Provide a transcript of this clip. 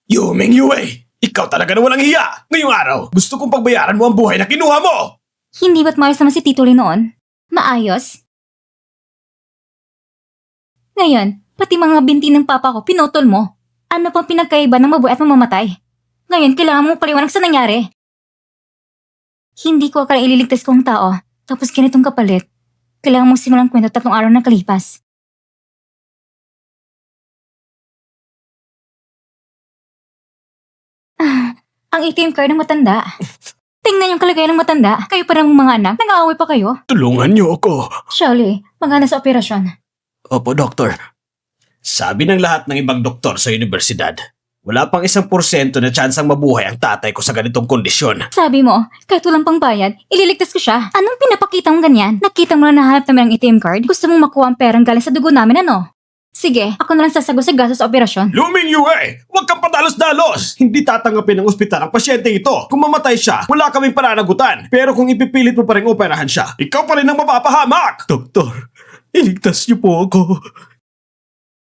Yumeng Yue! Ikaw talaga na walang hiya! Ngayong araw, gusto kong pagbayaran mo ang buhay na kinuha mo! Hindi ba't maayos naman si Tito Lee noon? Maayos? Ngayon, pati mga binti ng papa ko, pinutol mo. Ano pang pinagkaiba ng mabuhay at mamamatay? Ngayon, kailangan mong paliwanag sa nangyari. Hindi ko akala ililigtas ko ang tao, tapos ganitong kapalit. Kailangan mong simulang kwento 3 araw na kalipas. Ang ATM card ng matanda. Tingnan yung kalagayan ng matanda. Kayo pa ng mga anak, nag-aaway pa kayo. Tulungan niyo ako! Shirley, magana sa operasyon. Opo, Doktor. Sabi ng lahat ng ibang doktor sa universidad, wala pang 1% na tsansang mabuhay ang tatay ko sa ganitong kondisyon. Sabi mo, kahit walang pangbayad, ililigtas ko siya. Anong pinapakita mong ganyan? Nakita mo na nahanap namin ang ATM card? Gusto mong makuha ang perang galing sa dugo namin, ano? Sige, ako na lang sasagot sa gastos sa operasyon. Luming Yue! Huwag kang padalos-dalos! Hindi tatanggapin ng ospital ang pasyente ito. Kung mamatay siya, wala kaming pananagutan. Pero kung ipipilit mo pa rin operahan siya, ikaw pa rin ang mapapahamak! Doktor, iligtas niyo po ako.